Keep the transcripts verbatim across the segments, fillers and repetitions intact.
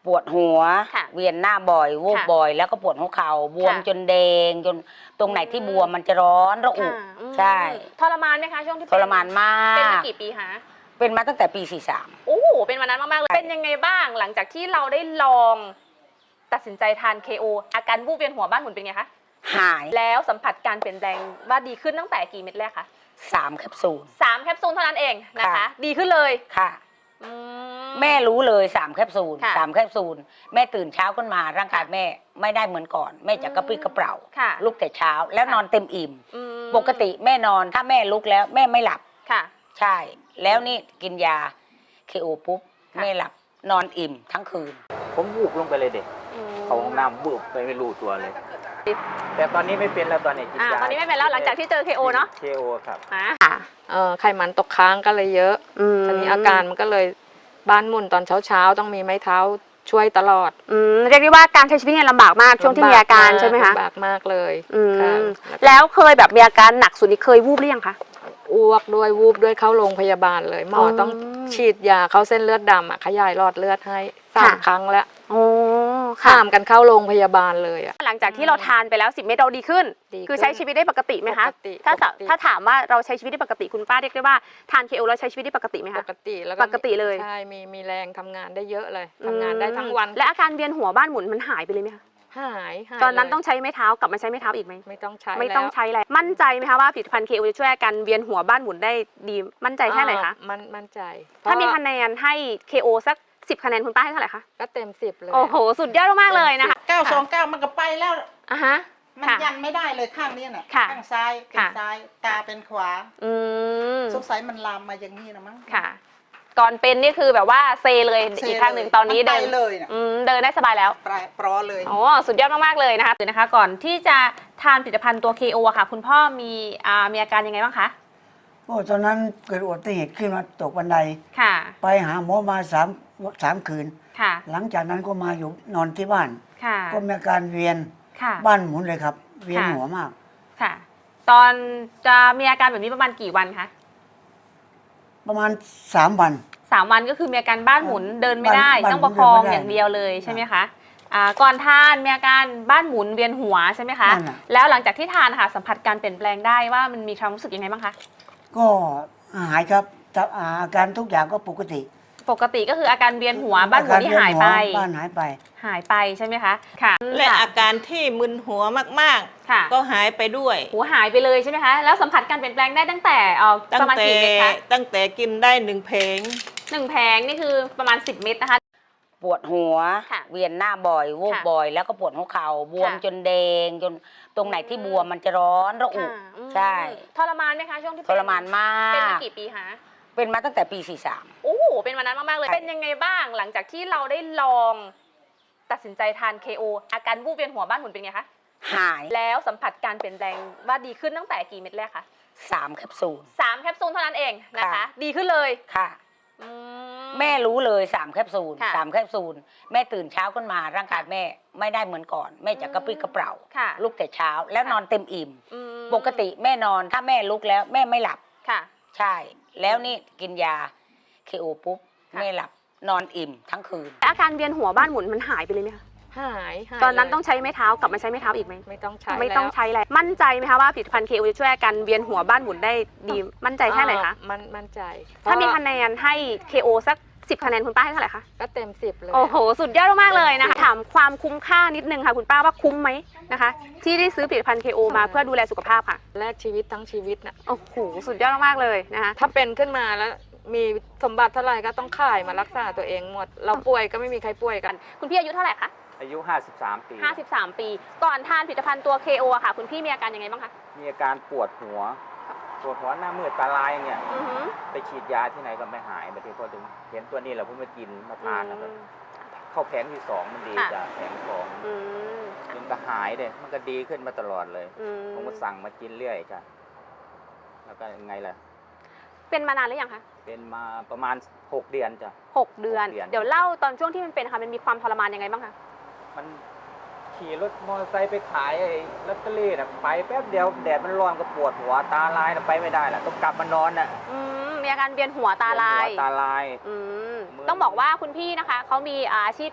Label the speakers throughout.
Speaker 1: ปวดหัวเวียนหน้าบ่อยวูบบ่อยแล้วก็ปวดหัวเข่าบวมจนแดงจนตรงไหนที่บวมมันจะร้อนระอุใช่
Speaker 2: ทรมานไหมคะช่วงที่
Speaker 1: ทรมานมาก
Speaker 2: เป็นมากี่ปีคะ
Speaker 1: เป็นมาตั้งแต่ปีสี่สาม
Speaker 2: โอ้เป็นวันนั้นมากๆเลยเป็นยังไงบ้างหลังจากที่เราได้ลองตัดสินใจทาน เค โอ อาการวูบเวียนหัวบ้านหมุนเป็นไงคะ
Speaker 1: หาย
Speaker 2: แล้วสัมผัสการเปลี่ยนแปลงว่าดีขึ้นตั้งแต่กี่เม็ดแรกคะ
Speaker 1: สามแคปซูล
Speaker 2: สามแคปซูลเท่านั้นเองนะคะดีขึ้นเลย
Speaker 1: ค่ะแม่รู้เลยสามแคปซูลสามแคปซูลแม่ตื่นเช้าขึ้นมาร่างกายแม่ไม่ได้เหมือนก่อนแม่จะกระปรี้กระเปร่าลุกแต่เช้าแล้วนอนเต็มอิ่มปกติแม่นอนถ้าแม่ลุกแล้วแม่ไม่หลับ
Speaker 2: ค่ะ
Speaker 1: ใช่แล้วนี่กินยา เค โอ ปุ๊บแม่หลับนอนอิ่มทั้งคืน
Speaker 3: ผมวูบลงไปเลยเด็กเขาห้องน้ำวูบไปไม่รู้ตัวเลยแต่ตอนนี้ไม่เป็นแล้วตอนนี้กินยา
Speaker 2: ตอนนี้ไม่เป็นแล้วหลังจากที่เจอ เค โอ เนาะ
Speaker 3: เค โอ ครับ
Speaker 4: เออไขมันตกค้างก็เลยเยอะทีนี้อาการมันก็เลยบ้านหมุนตอนเช้าๆต้องมีไม้เท้าช่วยตลอด
Speaker 2: อืมเรียกได้ว่าการใช้ชีวิตเนี่ยลำบากมากช่วงที่มีอาการใช่ไหมคะ
Speaker 4: ลำบากมากเลย
Speaker 2: อืมแล้วเคยแบบมีอาการหนักสุดนี่เคยวูบหรือยังคะ
Speaker 4: อ้วกด้วยวูบด้วยเข้าโรงพยาบาลเลยหมอต้องฉีดยาเข้าเส้นเลือดดำอ่ะขยายหลอดเลือดให้สามครั้งแล้ว
Speaker 2: โอ้
Speaker 4: ข้ามกันเข้าโรงพยาบาลเลยอ่ะ
Speaker 2: หลังจากที่เราทานไปแล้วสิบเม็ดเราดีขึ้นคือใช้ชีวิตได้ปกติไหมคะถ้าถ้าถามว่าเราใช้ชีวิตได้ปกติคุณป้าเรียกได้ว่าทาน เค โอ แล้วใช้ชีวิตได้ปกติไหมคะ
Speaker 4: ปกติแล้ว
Speaker 2: ปกติเลย
Speaker 4: ใช่มีมีแรงทำงานได้เยอะเลยทำงานได้ทั้งวัน
Speaker 2: และอาการเวียนหัวบ้านหมุนมันหายไปเลยไหมคะ
Speaker 4: หาย
Speaker 2: ตอนนั้นต้องใช้ไม้เท้ากลับมาใช้ไม้เท้าอีกไหม
Speaker 4: ไม่ต้องใช้
Speaker 2: ไม่ต้องใช้อะไรมั่นใจไหมคะว่าผลิตภัณฑ์ เค โอ จะช่วยอาการเวียนหัวบ้านหมุนได้ดีมั่นใจแค่ไหนคะ
Speaker 4: มันมั่นใจ
Speaker 2: ถ้ามีคะแนนให้ เค โอ สักสิบคะแนนคุณป้าให้เท่าไหร่คะ
Speaker 4: ก็เต็มสิบเลย
Speaker 2: โอ้โหสุดยอดมากเลยนะคะ
Speaker 5: เก้าสองเก้ามันก็ไปแล้ว
Speaker 2: อ่ะฮะ
Speaker 5: มันยันไม่ได้เลยข้างนี้น่ะข้างซ้ายเป็นซ้ายตาเป็นขวา
Speaker 2: อืม
Speaker 5: สงสัยมันลามมาอย่างนี้นะมั้ง
Speaker 2: ค่ะก่อนเป็นนี่คือแบบว่าเซเลยอีกข้างหนึ่งตอนนี้เดิน
Speaker 5: เลย
Speaker 2: เดินได้สบายแล้ว
Speaker 5: ปลอเลย
Speaker 2: โอ้สุดยอดมากๆเลยนะคะคือนะคะก่อนที่จะทานผลิตภัณฑ์ตัว เค โอ อะค่ะคุณพ่อมีอ่ามีอาการยังไงบ้างคะ
Speaker 6: โอ้ตอนนั้นเกิดอุบัติเหตุขึ้นมาตกบันได
Speaker 2: ค่ะ
Speaker 6: ไปหาหมอมาสามสามคืน
Speaker 2: ค่ะ
Speaker 6: หลังจากนั้นก็มาอยู่นอนที่บ้าน
Speaker 2: ค่ะ
Speaker 6: ก็มีอาการเวียน
Speaker 2: ค่ะ
Speaker 6: บ้านหมุนเลยครับเวียนหัวมาก
Speaker 2: ค่ะตอนจะมีอาการแบบนี้ประมาณกี่วันคะ
Speaker 6: ประมาณสามวัน
Speaker 2: สามวันก็คือมีอาการบ้านหมุนเดินไม่ได้ต้องประคองอย่างเดียวเลยใช่ไหมคะอ่าก่อนทานมีอาการบ้านหมุนเวียนหัวใช่ไหมคะแล้วหลังจากที่ทานค่ะสัมผัสการเปลี่ยนแปลงได้ว่ามันมีความรู้สึกยังไงบ้างคะ
Speaker 6: ก็หายครับอาการทุกอย่างก็ปกติ
Speaker 2: ปกติก็คืออาการเวียนหัวบ้านหมุนที่หายไป
Speaker 6: บ้านหายไป
Speaker 2: หายไปใช่ไหมคะค่ะ
Speaker 7: และอาการที่มึนหัวมากๆก็หายไปด้วย
Speaker 2: หัวหายไปเลยใช่ไหมคะแล้วสัมผัสการเปลี่ยนแปลงได้ตั้งแต่เอ่อประมาณกี่เม็ดคะ
Speaker 7: ตั้งแต่กินได้หนึ่งเพลง
Speaker 2: หนึ่งแผงนี่คือประมาณสิบเม็ดนะคะ
Speaker 1: ปวดหัวเวียนหน้าบ่อยวูบบ่อยแล้วก็ปวดหัวเข่าบวมจนแดงจนตรงไหนที่บวมมันจะร้อนระอุใช่
Speaker 2: ทรมานไหมคะช่วงที่
Speaker 1: ทรมานมาก
Speaker 2: เป็นมากี่ปีคะ
Speaker 1: เป็นมาตั้งแต่ปีสี่สาม
Speaker 2: โอ้เป็นวันนั้นมากๆเลยเป็นยังไงบ้างหลังจากที่เราได้ลองตัดสินใจทาน เค โอ อาการวูบเวียนหัวบ้านหมุนเป็นไงคะ
Speaker 1: หาย
Speaker 2: แล้วสัมผัสการเปลี่ยนแปลงว่าดีขึ้นตั้งแต่กี่เม็ดแรกคะ
Speaker 1: สามแคปซูล
Speaker 2: สามแคปซูลเท่านั้นเองนะคะดีขึ้นเลย
Speaker 1: ค่ะแม่รู้เลยสามแคปซูลสามแคปซูลแม่ตื่นเช้าขึ้นมาร่างกายแม่ไม่ได้เหมือนก่อนแม่จะกระปรี้กระเปร่าลุกแต่เช้าแล้วนอนเต็มอิ่มปกติแม่นอนถ้าแม่ลุกแล้วแม่ไม่หลับ
Speaker 2: ค่ะ
Speaker 1: ใช่แล้วนี่กินยา เค โอ ปุ๊บแม่หลับนอนอิ่มทั้งคืน
Speaker 2: อาการเวียนหัวบ้านหมุนมันหายไปเลยไหมคะ
Speaker 4: หาย
Speaker 2: ตอนนั้นต้องใช้ไม้เท้ากลับมาใช้ไม้เท้าอีกไหม
Speaker 4: ไม่ต้องใช้
Speaker 2: ไม่ต้องใช้อะไรมั่นใจไหมคะว่าผลิตภัณฑ์ เค โอ จะช่วยอาการเวียนหัวบ้านหมุนได้ดีมั่นใจแค่ไหนคะ
Speaker 4: มันมั่นใจ
Speaker 2: ถ้ามีคะแนนให้ เค โอ สักสิบคะแนนคุณป้าให้เท่าไหร่คะ
Speaker 4: ก็เต็มสิบเลย
Speaker 2: โอ้โหสุดยอดมากเลยนะคะถามความคุ้มค่านิดนึงค่ะคุณป้าว่าคุ้มไหมนะคะที่ได้ซื้อผลิตภัณฑ์ เค โอ มาเพื่อดูแลสุขภาพค่ะ
Speaker 4: แลกชีวิตทั้งชีวิตน่ะ
Speaker 2: โอ้โหสุดยอดมากเลยนะคะ
Speaker 4: ถ้าเป็นขึ้นมาแล้วมีสมบัติเท่าไหร่ก็ต้องขายมารักษาตัวเองหมดเราป่วยก็ไม่มีใครป่วยกัน
Speaker 2: คุณพี่อายุเท่าไหร่คะ
Speaker 3: อายุห้าสิบสามปี
Speaker 2: ห้าสิบสามปีก่อนทานผลิตภัณฑ์ตัว เค โอ อะค่ะคุณพี่มีอาการยังไงบ้างคะ
Speaker 3: มีอาการปวดหัวปวดหัวหน้ามืดตาลายเนี่ยไปฉีดยาที่ไหนก็ไม่หายมาทีพอถึงเห็นตัวนี้เราเพิ่งมากินมาทานนะครับเข้าแผงที่สองมันดีจ้ะแผงสองมันก็หายเลยมันก็ดีขึ้นมาตลอดเลยผมก็สั่งมากินเรื่อยจ้ะแล้วก็ยังไงล่ะ
Speaker 2: เป็นมานานหรือยังคะ
Speaker 3: เป็นมาประมาณหกเดือนจ้ะ
Speaker 2: หกเดือนเดี๋ยวเล่าตอนช่วงที่มันเป็นค่ะมันมีความทรมานยังไงบ้างคะ
Speaker 3: มันขี่รถมอเตอร์ไซค์ไปขายไอ้ลอตเตอรี่น่ะไปแป๊บเดียวแดดมันร้อนก็ปวดหัวตาลายน่ะไปไม่ได้แหละต้องกลับมานอนน่ะ
Speaker 2: มีอาการเวียนหัวตาลาย
Speaker 3: ตาลาย
Speaker 2: ต้องบอกว่าคุณพี่นะคะเขามีอาชีพเป็นข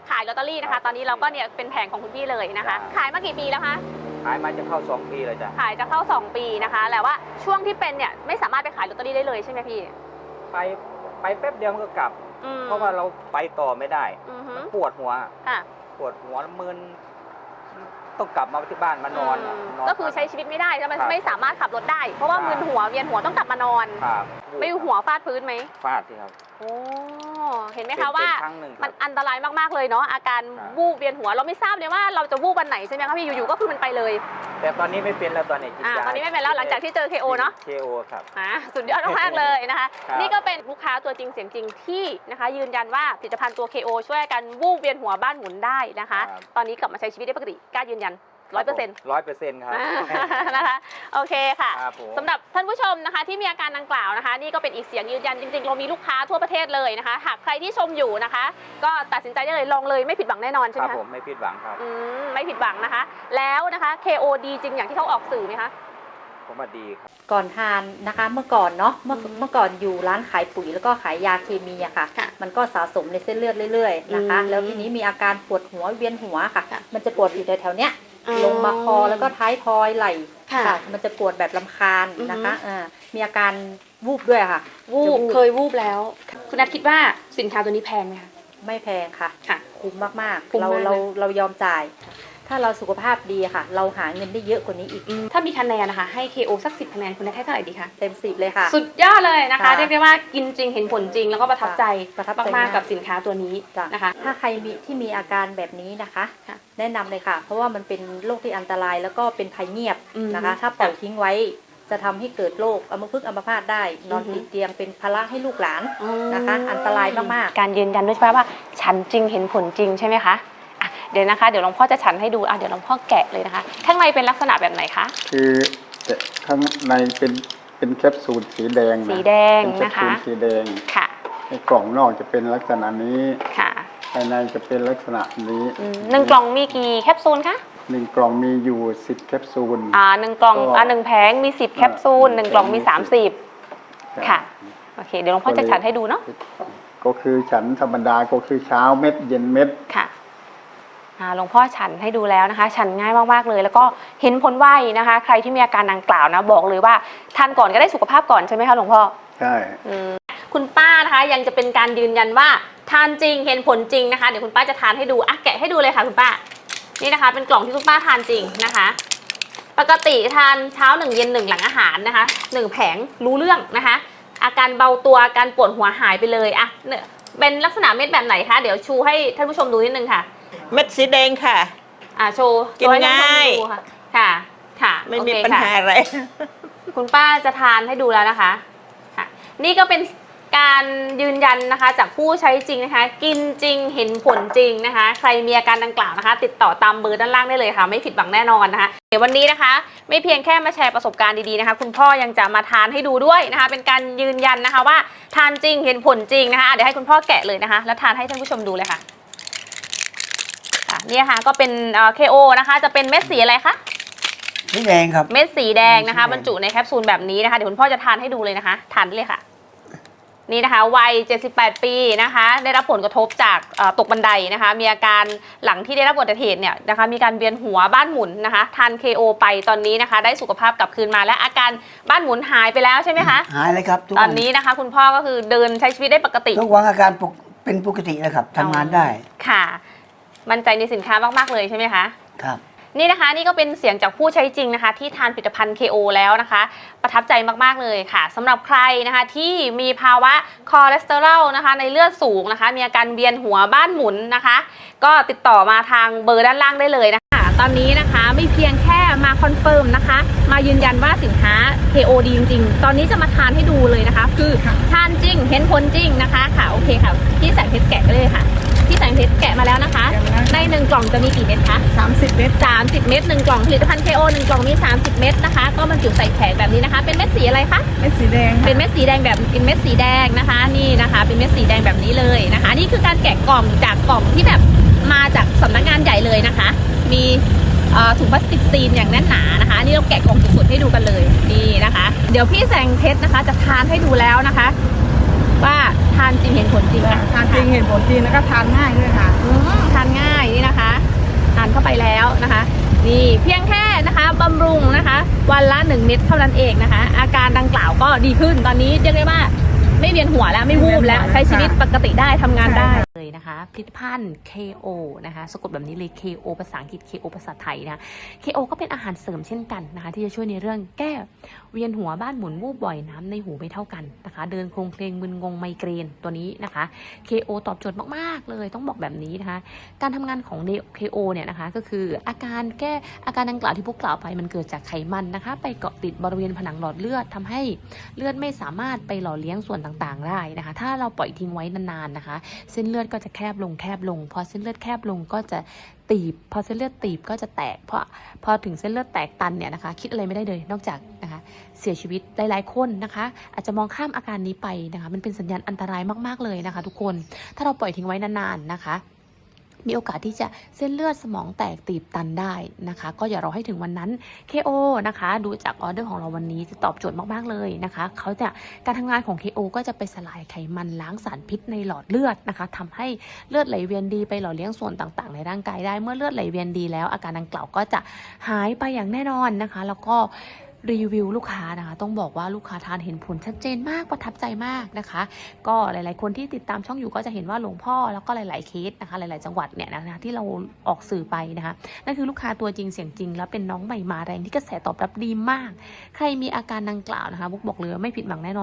Speaker 2: ขายลอตเตอรี่นะคะ ตอนนี้เราก็เนี่ยเป็นแผงของคุณพี่เลยนะคะ ขายมากี่ปีแล้วคะ
Speaker 3: ขายมาจะเข้าสองปีเลยจ้ะ
Speaker 2: ขายจะเข้าสองปีนะคะแต่ว่าช่วงที่เป็นเนี่ยไม่สามารถไปขายลอตเตอรี่ได้เลยใช่ไหมพี่
Speaker 3: ไปไปแป๊บเดียวมันก็กลับ
Speaker 2: อืม
Speaker 3: เพราะว่าเราไปต่อไม่ได้
Speaker 2: อือฮึ
Speaker 3: มันปวดหัว
Speaker 2: ค่ะ
Speaker 3: ปวดหัวแล้วมึนต้องกลับมาที่บ้านมานอน
Speaker 2: อืม
Speaker 3: นอน
Speaker 2: ก็คือใช้ชีวิตไม่ได้ใช่ไหม
Speaker 3: ครับ
Speaker 2: ไม่สามารถขับรถได้ เพราะว่า
Speaker 3: ครับ
Speaker 2: มึนหัวเวียนหัวต้องกลับมานอน
Speaker 3: ครับ
Speaker 2: ไม่หัวฟาดพื้นไหม
Speaker 3: ฟาดสิครับ
Speaker 2: โอ้เห็นไหม
Speaker 3: เป็
Speaker 2: คะ
Speaker 3: น
Speaker 2: ว่า
Speaker 3: เป็นครั้งหนึ่งค
Speaker 2: มั
Speaker 3: รั
Speaker 2: น
Speaker 3: บ
Speaker 2: อันตรายมากๆเลยเนาะอาการ
Speaker 3: ครับ
Speaker 2: วูบเวียนหัวเราไม่ทราบเลยว่าเราจะวูบวันไหนใช่ไหมคะพี่อยู่ๆก็คือมันไปเลย
Speaker 3: แต่ตอนนี้ไม่เป็นแล้วตอนนี้กิน
Speaker 2: อ่าย
Speaker 3: า
Speaker 2: ตอนนี้ไม่เป็นแล้วหลังจากที่เจอ เค โอ เนาะ
Speaker 3: เคโอครับ
Speaker 2: อ่าสุดยอดมากๆเลยนะคะ
Speaker 3: ครับ
Speaker 2: นี่ก็เป็นลูกค้าตัวจริงเสียงจริงที่นะคะ ยืนยันว่าผลิตภัณฑ์ตัว เค โอ ช่วยกันวูบเวียนหัวบ้านหมุนได้นะคะ ตอนนี้กลับมาใช้ชีวิตได้ปกติกล้ายืนยันร้อยเปอร์เซ็นต์
Speaker 3: ร้อยเปอร์เซ็นต์ครับ
Speaker 2: นะคะโอเคค่ะ
Speaker 3: ครับผม
Speaker 2: สำหรับท่านผู้ชมนะคะที่มีอาการดังกล่าวนะคะ นี่ก็เป็นอีกเสียงยืนยันจริงๆ เรามีลูกค้าทั่วประเทศเลยนะคะ หากใครที่ชมอยู่นะคะ ก็ตัดสินใจได้เลยลองเลยไม่ผิดหวังแน่นอนใช่
Speaker 3: ค
Speaker 2: ไห
Speaker 3: รั
Speaker 2: ม
Speaker 3: บ
Speaker 2: คะ
Speaker 3: ผมไม่ผิดหวังครับ
Speaker 2: อืมไม่ผิดหวังนะคะ แล้วนะคะ เค โอ ดีจริงอย่างที่เขาออกสื่อไหมคะ
Speaker 3: ผมว่าดีครับ
Speaker 8: ก่อนทานนะคะเมื่อก่อนเนาะเมื่อเมื่อก่อนอยู่ร้านขายปุ๋ยแล้วก็ขายยาเคมีอะค่ะ
Speaker 2: ค่ะ
Speaker 8: มันก็สะสมในเส้นเลือดเรื่อยๆนะคะ
Speaker 2: อืม
Speaker 8: แล้วทีนี้มีอาการปวดหัวเวียนหัวค่ะ
Speaker 2: ค่ะ
Speaker 8: มันจะปวดอยู่แถวๆเนี้ย
Speaker 2: อ๋อ
Speaker 8: ลงมาคอแล้วก็ท้ายทอยไหล่
Speaker 2: ค่ะ
Speaker 8: มันจะปวดแบบลำคาญนะคะ
Speaker 2: อือฮึ
Speaker 8: อ่ามีอาการวูบด้วยค่ะ
Speaker 2: วูบ
Speaker 8: จะวูบ
Speaker 2: เคยวูบแล้ว คุณนัทคิดว่าสินค้าตัวนี้แพงไหมคะ
Speaker 8: ไม่แพงค่ะ
Speaker 2: ค่ะ
Speaker 8: คุ้มมาก
Speaker 2: คุ้
Speaker 8: ๆ
Speaker 2: ม
Speaker 8: เรา
Speaker 2: มาก
Speaker 8: เรา
Speaker 2: เลย
Speaker 8: เรายอมจ่าย ถ้าเราสุขภาพดีค่ะ เราหาเงินได้เยอะกว่านี้อีก
Speaker 2: ถ้ามีคะแนนนะคะให้ เค โอ สักสิบคะแนนคุณนัทให้เท่าไหร่ดีคะ
Speaker 8: เต็มสิบเลยค่ะ
Speaker 2: สุดยอดเลยนะคะ
Speaker 8: ค่ะ
Speaker 2: เรียกได้ว่ากินจริงเห็นผลจริงแล้วก็ประทับใจ
Speaker 8: ประทับใจ
Speaker 2: มาก
Speaker 8: มาก
Speaker 2: ๆกับสินค้าตัวนี้
Speaker 8: จ้ะ
Speaker 2: นะคะ
Speaker 8: ถ้าใครมีที่มีอาการแบบนี้นะคะ
Speaker 2: ค่ะ
Speaker 8: แนะนำเลยค่ะ เพราะว่ามันเป็นโรคที่อันตรายแล้วก็เป็นภัยเงียบ
Speaker 2: อืม
Speaker 8: นะคะ ถ้าปล่อย
Speaker 2: ค่ะ
Speaker 8: ทิ้งไว้จะทำให้เกิดโรคอัมพฤกษ์อัมพาตได้ นอน
Speaker 2: อือฮึ
Speaker 8: ติดเตียงเป็นภาระให้ลูกหลานนะคะ อันตรายมากๆ
Speaker 2: การยืนยันด้วยใช่ไหมว่าฉันจริงเห็นผลจริงใช่ไหมคะอ่ะเดี๋ยวนะคะเดี๋ยวหลวงพ่อจะฉันให้ดูอ่ะเดี๋ยวหลวงพ่อแกะเลยนะคะ ข้างในเป็นลักษณะแบบไหนคะ
Speaker 9: คือแต่ข้างในเป็นเป็นแคปซูลสีแดงนะ
Speaker 2: สีแดง
Speaker 9: เป็นแคป
Speaker 2: นะ
Speaker 9: ซู
Speaker 2: คะ
Speaker 9: ลสีแดง
Speaker 2: ค่ะ
Speaker 9: ในกล่องนอกจะเป็นลักษณะนี้
Speaker 2: ค่ะ
Speaker 9: ภายในจะเป็นลักษณะนี้
Speaker 2: อืมหนึ่งกล่องมีกี่แคปซูลคะ
Speaker 9: หนึ่งกล่องมีอยู่สิบแคปซูล
Speaker 2: อ่าหนึ่งกล่อง
Speaker 9: ก็
Speaker 2: อ่าหนึ่งแผงมีสิบแคปซูลหนึ่งกล่องมีสามสิบค่ะโอเคเดี๋ยวหลวงพ่อจะฉันให้ดูเนาะ
Speaker 9: ก็คือฉันธรรมดาก็คือเช้าเม็ดเย็นเม็ด
Speaker 2: ค่ะอ่าหลวงพ่อฉันให้ดูแล้วนะคะ ฉันง่ายมากๆเลย แล้วก็เห็นผลไวนะคะ ใครที่มีอาการดังกล่าวนะบอกเลยว่าทานก่อนก็ได้สุขภาพก่อนใช่ไหมคะหลวงพ่อ
Speaker 9: ใช่
Speaker 2: อืมคุณป้านะคะยังจะเป็นการยืนยันว่าทานจริงเห็นผลจริงนะคะเดี๋ยวคุณป้าจะทานให้ดูอ่ะแกะให้ดูเลยค่ะคุณป้านี่นะคะ เป็นกล่องที่คุณป้าทานจริงนะคะ ปกติทานเช้าหนึ่งเย็นหนึ่งหลังอาหารนะคะหนึ่งแผงรู้เรื่องนะคะ อาการเบาตัวอาการปวดหัวหายไปเลยอ่ะเนี่ยเป็นลักษณะเม็ดแบบไหนคะเดี๋ยวชูให้ท่านผู้ชมดูนิดนึงค่ะ
Speaker 7: เม็ดสีแดงค่ะ
Speaker 2: อ่าโชว์
Speaker 7: กิน
Speaker 2: โชว์ให้ท่านผู้ชม
Speaker 7: ง่าย
Speaker 2: ดูค่ะค่ะค่ะ
Speaker 7: ไม่
Speaker 2: โอ
Speaker 7: มี
Speaker 2: เค
Speaker 7: ปัญ
Speaker 2: ค่ะ
Speaker 7: หาอะไร
Speaker 2: คุณป้าจะทานให้ดูแล้วนะคะค่ะนี่ก็เป็นการยืนยันนะคะจากผู้ใช้จริงนะคะ กินจริงเห็นผลจริงนะคะ ใครมีอาการดังกล่าวนะคะ ติดต่อตามเบอร์ด้านล่างได้เลยค่ะ ไม่ผิดหวังแน่นอนนะคะเดี๋ยววันนี้นะคะ ไม่เพียงแค่มาแชร์ประสบการณ์ดีๆนะคะ คุณพ่อยังจะมาทานให้ดูด้วยนะคะ เป็นการยืนยันนะคะว่าทานจริงเห็นผลจริงนะคะเดี๋ยวให้คุณพ่อแกะเลยนะคะ แล้วทานให้ท่านผู้ชมดูเลยค่ะค่ะนี่ค่ะก็เป็นเอ่อ เค โอ นะคะจะเป็นเม็ดสีอะไรคะ
Speaker 6: สีแดงครับ
Speaker 2: เม็ดสีแดงนะคะ
Speaker 6: สีแดง
Speaker 2: บรรจุในแคปซูลแบบนี้นะคะเดี๋ยวคุณพ่อจะทานให้ดูเลยนะคะทานได้เลยค่ะนี่นะคะวัยเจ็ดสิบแปดปีนะคะได้รับผลกระทบจากเอ่อตกบันไดนะคะมีอาการหลังที่ได้รับอุบัติเหตุเนี่ยนะคะมีการเวียนหัวบ้านหมุนนะคะทาน เค โอ ไปตอนนี้นะคะได้สุขภาพกลับคืนมาและอาการบ้านหมุนหายไปแล้วใช่ไหมคะ
Speaker 6: หายเลยครับทุก
Speaker 2: ตอ
Speaker 6: วัน
Speaker 2: นี้นะคะคุณพ่อก็คือเดินใช้ชีวิตได้ปกติ
Speaker 6: ทุกวันอาการปกเป็นปกติแล้วครับทำงานได้
Speaker 2: ค่ะมั่นใจในสินค้ามากๆเลยใช่ไหมคะ
Speaker 6: ครับ
Speaker 2: นี่นะคะนี่ก็เป็นเสียงจากผู้ใช้จริงนะคะที่ทานผลิตภัณฑ์ เค โอ แล้วนะคะ ประทับใจมากๆเลยค่ะสำหรับใครนะคะที่มีภาวะคอเลสเตอรอลนะคะในเลือดสูงนะคะมีอาการเวียนหัวบ้านหมุนนะคะ ก็ติดต่อมาทางเบอร์ด้านล่างได้เลยนะคะตอนนี้นะคะไม่เพียงแค่มาคอนเฟิร์มนะคะมายืนยันว่าสินค้า เค โอ ดีจริงๆตอนนี้จะมาทานให้ดูเลยนะคะ คือทานจริงเห็นผลจริงนะคะค่ะโอเคค่ะพี่แสงเพชรแกะเลยค่ะพี่แสงเพชรแกะมาแล้วนะคะในหนึ่งกล่องจะมีกี่เม็ดคะ
Speaker 5: สามสิบเมตร
Speaker 2: สามสิบเม็ดหนึ่งกล่องผลิตภัณฑ์ เค โอ หนึ่งกล่องมีสามสิบเม็ดนะคะก็บรรจุใส่แผงแบบนี้นะคะเป็นเม็ดสีอะไรคะ
Speaker 5: เม็ดสีแดง
Speaker 2: เป็นเม็ดสีแดงแบบเป็นเม็ดสีแดงนะคะนี่นะคะเป็นเม็ดสีแดงแบบนี้เลยนะคะนี่คือการแกะกล่องจากกล่องที่แบบมาจากสำนักงานใหญ่เลยนะคะมีเอ่อถุงพลาสติกซีนอย่างแน่นหนานะคะนี่เราแกะกล่องสดๆให้ดูกันเลยนี่นะคะเดี๋ยวพี่แสงเพชรนะคะจะทานให้ดูแล้วนะคะว่าทานจริงเห็นผลจริงค่ะ
Speaker 5: ทานจริงเห็นผลจริงแล้วก็ทานง่ายด้วยค่ะ
Speaker 2: อืมทานนี่เพียงแค่นะคะบำรุงนะคะวันละหนึ่งเม็ดเท่านั้นเองนะคะอาการดังกล่าวก็ดีขึ้นตอนนี้เรียกได้ว่าไม่เวียนหัวแล้วไม่วูบแล้วใช้ชีวิตปกติได้ทำงานได้เลยนะคะผลิตภัณฑ์ เค โอ นะคะสะกดแบบนี้เลย เค โอ ภาษาอังกฤษ เค โอ ภาษาไทยนะ เค โอ ก็เป็นอาหารเสริมเช่นกันนะคะที่จะช่วยในเรื่องแก้เวียนหัวบ้านหมุนวูบบ่อยน้ำในหูไม่เท่ากันนะคะเดินโครงเคลงมึนงงไมเกรนตัวนี้นะคะ เค โอ ตอบโจทย์มากๆเลยต้องบอกแบบนี้นะคะการทำงานของ เค โอ เนี่ยนะคะก็คืออาการแก้อาการดังกล่าวที่พวกกล่าวไปมันเกิดจากไขมันนะคะไปเกาะติดบริเวณผนังหลอดเลือดทำให้เลือดไม่สามารถไปหล่อเลี้ยงส่วนต่างๆได้นะคะถ้าเราปล่อยทิ้งไว้นานๆนะคะเส้นเลือดก็จะแคบลงแคบลงพอเส้นเลือดแคบลงก็จะตีบพอเส้นเลือดตีบก็จะแตกเพราะพอถึงเส้นเลือดแตกตันเนี่ยนะคะคิดอะไรไม่ได้เลยนอกจากนะคะเสียชีวิตหลายๆคนนะคะอาจจะมองข้ามอาการนี้ไปนะคะมันเป็นสัญญาณอันตรายมากๆเลยนะคะทุกคนถ้าเราปล่อยทิ้งไว้นานๆนะคะมีโอกาสที่จะเส้นเลือดสมองแตกตีบตันได้นะคะก็อย่ารอให้ถึงวันนั้น เค โอ นะคะดูจากออเดอร์ของเราวันนี้จะตอบโจทย์มากๆเลยนะคะเขาจะการทำงานของ เค โอ ก็จะไปสลายไขมันล้างสารพิษในหลอดเลือดนะคะทำให้เลือดไหลเวียนดีไปหล่อเลี้ยงส่วนต่างๆในร่างกายได้เมื่อเลือดไหลเวียนดีแล้วอาการดังกล่าวก็จะหายไปอย่างแน่นอนนะคะแล้วก็รีวิวลูกค้านะคะต้องบอกว่าลูกค้าทานเห็นผลชัดเจนมากประทับใจมากนะคะก็หลายๆคนที่ติดตามช่องอยู่ก็จะเห็นว่าหลวงพ่อแล้วก็หลายๆเคสนะคะหลายๆจังหวัดเนี่ยนะคะที่เราออกสื่อไปนะคะนั่นคือลูกค้าตัวจริงเสียงจริงแล้วเป็นน้องใหม่มาแรงที่กระแสตอบรับดีมากใครมีอาการดังกล่าวนะคะบุ๊กบอกเลยว่าไม่ผิดหวังแน่นอน